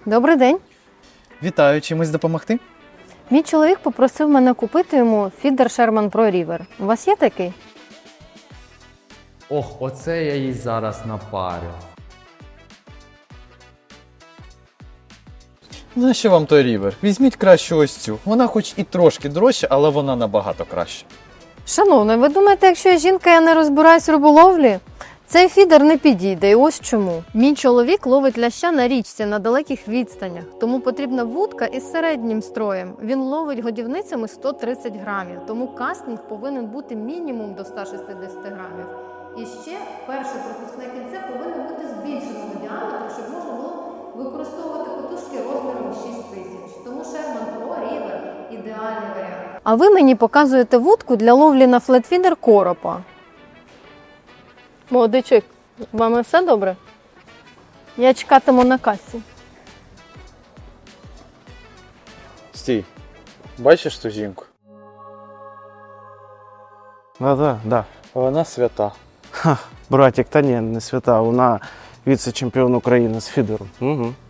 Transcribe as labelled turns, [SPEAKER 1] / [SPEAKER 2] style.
[SPEAKER 1] Добрий день.
[SPEAKER 2] Вітаю, чимось допомогти?
[SPEAKER 1] Мій чоловік попросив мене купити йому фідер Sherman Pro River. У вас є такий?
[SPEAKER 3] Ох, оце я їй зараз напарю.
[SPEAKER 2] Нащо вам той рівер? Візьміть краще ось цю. Вона хоч і трошки дорожча, але вона набагато краща.
[SPEAKER 1] Шановний, ви думаєте, якщо я жінка, я не розбираюсь в риболовлі? Цей фідер не підійде, і ось чому. Мій чоловік ловить ляща на річці на далеких відстанях, тому потрібна вудка із середнім строєм. Він ловить годівницями 130 грамів, тому кастинг повинен бути мінімум до 160 грамів. І ще перше пропускне кільце повинно бути збільшеного діаметру, щоб можна було використовувати катушки розміром 6000. Тому Sherman Pro River – ідеальний варіант. А ви мені показуєте вудку для ловлі на флетфідер коропа. Молодичок, з вами все добре? Я чекатиму на касі.
[SPEAKER 2] Стій, бачиш ту жінку?
[SPEAKER 4] Да.
[SPEAKER 2] Вона свята.
[SPEAKER 4] Братик, та ні, не свята, вона віце-чемпіон України з фідером. Угу.